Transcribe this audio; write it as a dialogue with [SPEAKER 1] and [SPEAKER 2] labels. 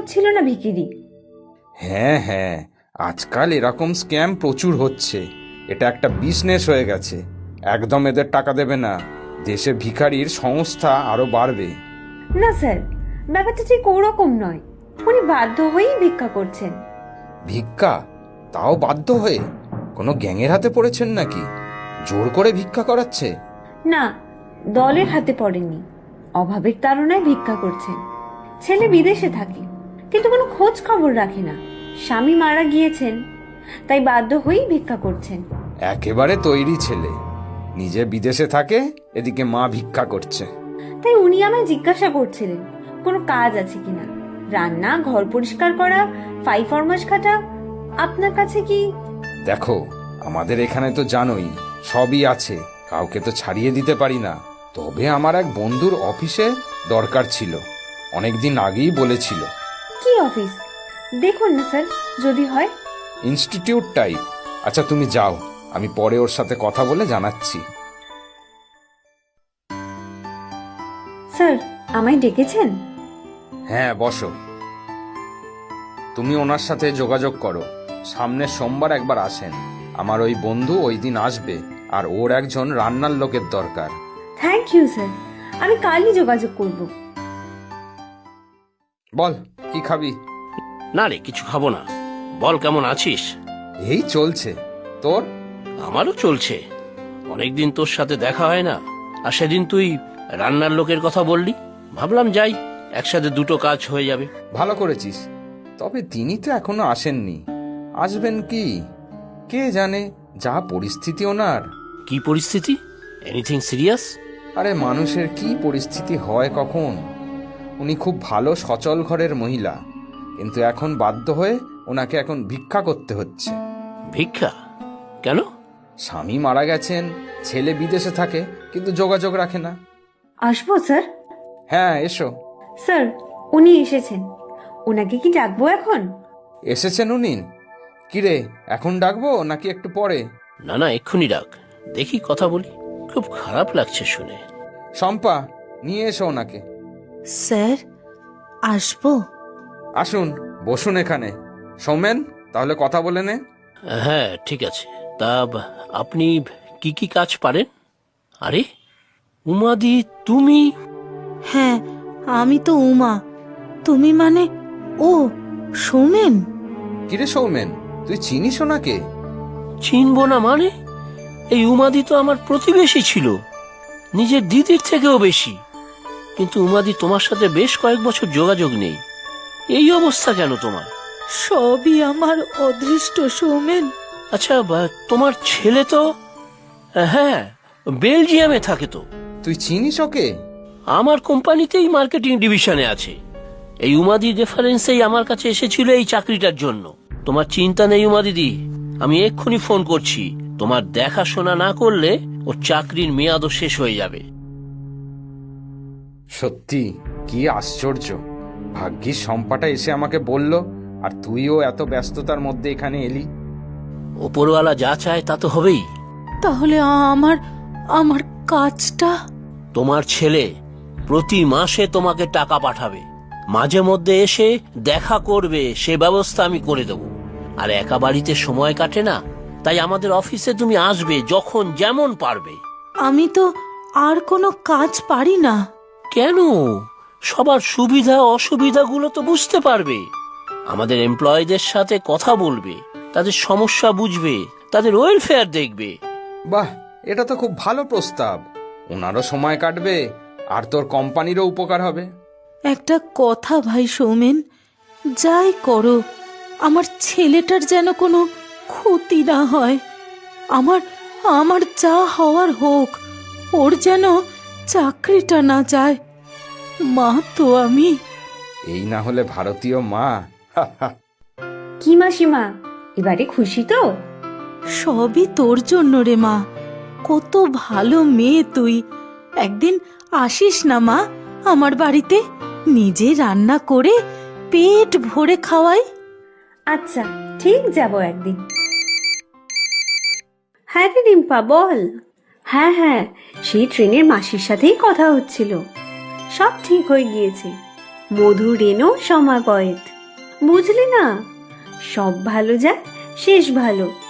[SPEAKER 1] হচ্ছিল না ভিখিরি?
[SPEAKER 2] হ্যাঁ হ্যাঁ, আজকাল এরকম স্ক্যাম প্রচুর হচ্ছে। এটা একটা বিজনেস হয়ে গেছে। একদম এদের টাকা দেবে না, দেশে ভিখারির সংস্থা আরো বাড়বে।
[SPEAKER 1] না স্যার, ব্যাপারটা ঠিক ওরকম নয়। উনি বাধ্য হয়েই ভিক্ষা করছেন।
[SPEAKER 2] ভিক্ষা? তাও বাধ্য হয়ে? কোনো গ্যাংয়ের হাতে পড়েছেন নাকি? জোর করে ভিক্ষা করাচ্ছে?
[SPEAKER 1] না, দলের হাতে পড়েননি, অভাবের তাড়নায় ভিক্ষা করছেন। ছেলে বিদেশে থাকে, কিন্তু কোনো খোঁজ খবর রাখে না। স্বামী মারা গিয়েছেন, তাই বাধ্য হয়েই ভিক্ষা করছেন।
[SPEAKER 2] একেবারে তৈরি ছেলে, নিজে বিদেশে থাকে, এদিকে মা ভিক্ষা করছে।
[SPEAKER 1] তাই উনি আমায় জিজ্ঞাসা করছিলেন কোনো কাজ আছে কিনা, রান্না, ঘর পরিষ্কার করা, ফাই ফরমাস খাটা। আপনার কাছে কি?
[SPEAKER 2] দেখো, আমাদের এখানে তো জানোই সবই আছে, কাউকে তো ছাড়িয়ে দিতে পারি না। তবে আমার এক বন্ধুর অফিসে দরকার ছিল, অনেকদিন আগেই বলেছিল।
[SPEAKER 1] কি অফিস? দেখুন না স্যার, যদি হয়।
[SPEAKER 2] Institute type. আচ্ছা তুমি যাও, আমি পরে ওর সাথে কথা বলে জানাচ্ছি।
[SPEAKER 1] স্যার, আমায় ডেকেছেন?
[SPEAKER 2] হ্যাঁ, বসো। তুমি ওনার সাথে যোগাযোগ করো, সামনের সোমবার একবার আসেন। আমার ওই বন্ধু ওই দিন আসবে, আর ওর একজন রান্নার লোকের দরকার।
[SPEAKER 1] থ্যাংক ইউ স্যার, আমি কালই যোগাযোগ করব।
[SPEAKER 2] বল, কি খাবি?
[SPEAKER 3] না রে, কিছু খাবো না। বল, কেমন আছিস?
[SPEAKER 2] এই চলছে। তোর?
[SPEAKER 3] আমারও চলছে। অনেকদিন তোর সাথে দেখা হয় না, আর সেদিন তুই রান্নার লোকের কথা বললি, ভাবলাম যাই, একসাথে দুটো কাজ হয়ে যাবে।
[SPEAKER 2] ভালো করেছিস। তবে তিনি তো এখনো আসেননি। আসবেন কি কে জানে, যা পরিস্থিতি ওনার।
[SPEAKER 3] কি পরিস্থিতি? Anything serious?
[SPEAKER 2] আরে মানুষের কি পরিস্থিতি হয় কখন। উনি খুব ভালো সচল ঘরের মহিলা, কিন্তু এখন বাধ্য হয়ে ওনাকে এখন ভিক্ষা করতে হচ্ছে।
[SPEAKER 3] ভিক্ষা? কেন?
[SPEAKER 2] স্বামী মারা গেছেন, ছেলে বিদেশে থাকে, কিন্তু যোগাযোগ রাখে না।
[SPEAKER 1] আসবো স্যার?
[SPEAKER 2] হ্যাঁ, এসো।
[SPEAKER 1] স্যার, উনি এসেছেন, ওনাকে কি ডাকবো এখন?
[SPEAKER 2] এসেছেন উনি? কিরে, এখন ডাকবো নাকি একটু পরে?
[SPEAKER 3] না না, এক্ষুনি ডাক, দেখি কথা বলি। খুব খারাপ লাগছে শুনে।
[SPEAKER 2] শম্পা, নিয়ে এসো ওনাকে।
[SPEAKER 4] স্যার, আসবো?
[SPEAKER 2] আসুন, বসুন এখানে। সৌমেন, তাহলে কথা বলে নে।
[SPEAKER 3] হ্যাঁ, ঠিক আছে। তা আপনি কি কি কাজ পারেন? আরে উমাদি, তুমি?
[SPEAKER 4] হ্যাঁ, আমি তো উমা। তুমি মানে ও সৌমেন?
[SPEAKER 2] কিরে সৌমেন, তুই চিনিস ওনাকে?
[SPEAKER 3] চিনবো না মানে? এই উমাদি তো আমার প্রতিবেশী ছিল, নিজের দিদির থেকেও বেশি। কিন্তু উমাদি তোমার সাথে বেশ কয়েক বছর যোগাযোগ নেই। এই অবস্থা কেন তোমার?
[SPEAKER 4] সবই আমার অদৃষ্ট সৌমেন।
[SPEAKER 3] আচ্ছা, তোমার ছেলে তো, হ্যাঁ, বেলজিয়ামে থাকে তো।
[SPEAKER 2] তুই চিনিস ওকে?
[SPEAKER 3] আমার কোম্পানিতেই মার্কেটিং ডিভিশনে আছে। এই উমাদি রেফারেন্সেই আমার কাছে এসেছিল এই চাকরিটার জন্য। তোমার চিন্তা নেই উমা দিদি, আমি এক্ষুনি ফোন করছি। তোমার দেখাশোনা না করলে ওর চাকরির মেয়াদও শেষ হয়ে যাবে।
[SPEAKER 2] সত্যি কি আশ্চর্য, ভাগ্যিস শম্পাটা এসে আমাকে বলল, আর তুইও এত ব্যস্ততার মধ্যে এখানে এলি।
[SPEAKER 3] ওপরওয়ালা যা চায় তা তো হবেই।
[SPEAKER 4] তাহলে আমার আমার কাজটা?
[SPEAKER 3] তোমার ছেলে প্রতি মাসে তোমাকে টাকা পাঠাবে, মাঝে মধ্যে এসে দেখা করবে, সে ব্যবস্থা আমি করে দেব। আর একা বাড়িতে সময় কাটে না, তাই আমাদের অফিসে তুমি আসবে যখন যেমন পারবে।
[SPEAKER 4] আমি তো আর কোনো কাজ পারি না।
[SPEAKER 3] কেন? সবার সুবিধা অসুবিধাগুলো তো বুঝতে পারবে। আমাদের এমপ্লয়ীদের সাথে কথা বলবে, তাদের সমস্যা বুঝবে, তাদের ওয়েলফেয়ার দেখবে।
[SPEAKER 2] বাহ, এটা তো খুব ভালো প্রস্তাব। ওনারও সময় কাটবে, আর তোর কোম্পানিরও উপকার হবে।
[SPEAKER 4] একটা কথা ভাই সৌমেন, যাই করো, আমার ছেলেটার যেন কোনো ক্ষতি না হয়। আমার আমার যা হওয়ার হোক, ওর যেন চাকরিটা না যায়। মা তো আমি।
[SPEAKER 2] এই না হলে ভারতীয় মা।
[SPEAKER 1] কি মাসিমা, এবারে খুশি তো?
[SPEAKER 4] সবই তোর জন্য রে মা, কত ভালো মেয়ে তুই। একদিন আসিস না মা আমার বাড়িতে, নিজে রান্না করে পেট ভরে খাওয়াই।
[SPEAKER 1] আচ্ছা, ঠিক যাব একদিন। হ্যাঁ রে রিম্পা, বল। হ্যাঁ হ্যাঁ, সেই ট্রেনের মাসির সাথেই কথা হচ্ছিল। সব ঠিক হয়ে গিয়েছে। মধু রেনো সমাগয়েত। বুঝলি না, সব ভালো যায় শেষ ভালো।